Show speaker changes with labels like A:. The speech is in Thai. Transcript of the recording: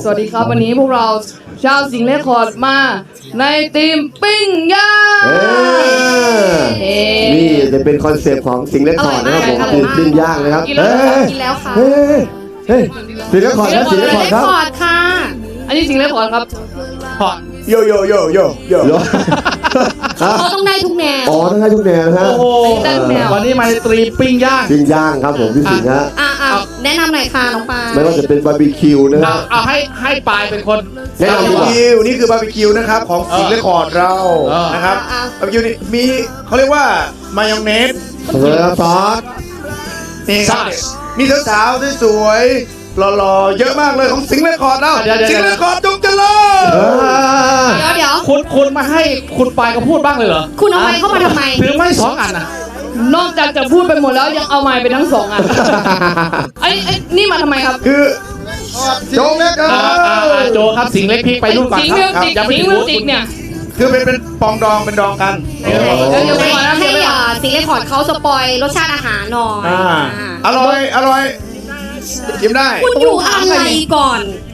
A: สวัสดีครับวันนี้พวกเราชาวสิงห์เรคคอร์ดมาในทีมปิ้งย่าง
B: นี่จะเป็นคอนเซปต์ของสิงห์เรคคอร์ดนะครับผมคือปิ้งย่างนะครับ
C: กินแล้วค่ะ
B: เฮ้ยสิงห์เรคคอร์ดนะสิงห์เรคคอร์ดครับ
C: คอร์ดค่ะ
A: อันนี้สิงห์เรคคอร์ดครับ
D: โยโยโยโยโย
C: เขาต้องได้ทุกแนว
B: อ๋อทั้งให้ทุกแนวนะฮะ
D: โอ้โหวันนี้มาในตรีปิ้งย่าง
B: ปิ้งย่างครับผมพี่สิงห์ฮะ
C: แนะนำหน่อยค่ะน้องปา
B: ไม่ว่าจะเป็นบาร์บีคิวนะครับ
D: เอาให้ปายเป็นคน
B: แนะนำดีกว่า
E: คิวนี่คือบาร์บีคิวนะครับของสิงห์เรคคอร์ดเรานะครับบาร์บีคิวนี่มีเขาเรียกว่ามายองเนส
B: ซอส
E: นี่ครับมีสาวๆสวยๆหล่อๆเยอะมากเลยของสิงห์เรคคอร์ดเราสิงห์เรคคอร์ดจงเจริญ
C: เดี๋ยว
D: คุณมาให้คุณปายก็พูดบ้างเลยเหรอ
C: คุณเอาไม้เข้ามาทำไม
D: ถือไม่2 อันอ่ะ
A: นอกจากจะพูดไปหมดแล้วยังเอาไม้ไปทั้ง2 อันไอ้นี่มาทำไมครับ
E: คือจงเล็ก
D: โจครับสิงห์เล็กพริกไปรุ่นก่อน
A: สิง
D: ค
A: ห์มิว
D: รับ
A: สิก
D: อย่าไป
A: สิงห์
D: ถื
A: มิ
D: อ
A: วสิกเนี่ย
E: คือเป็นปองดองเป็นดองกัน
A: เดี๋ยวไปก่อนนะ
C: ให้
A: เดี๋ยวไปก่อน
C: สิงห์เรคคอร์ดเขาสปอยรสชาติอาหารหน่อย
E: อร่อยชิมได้
C: คุณอยู่อะไรก่อน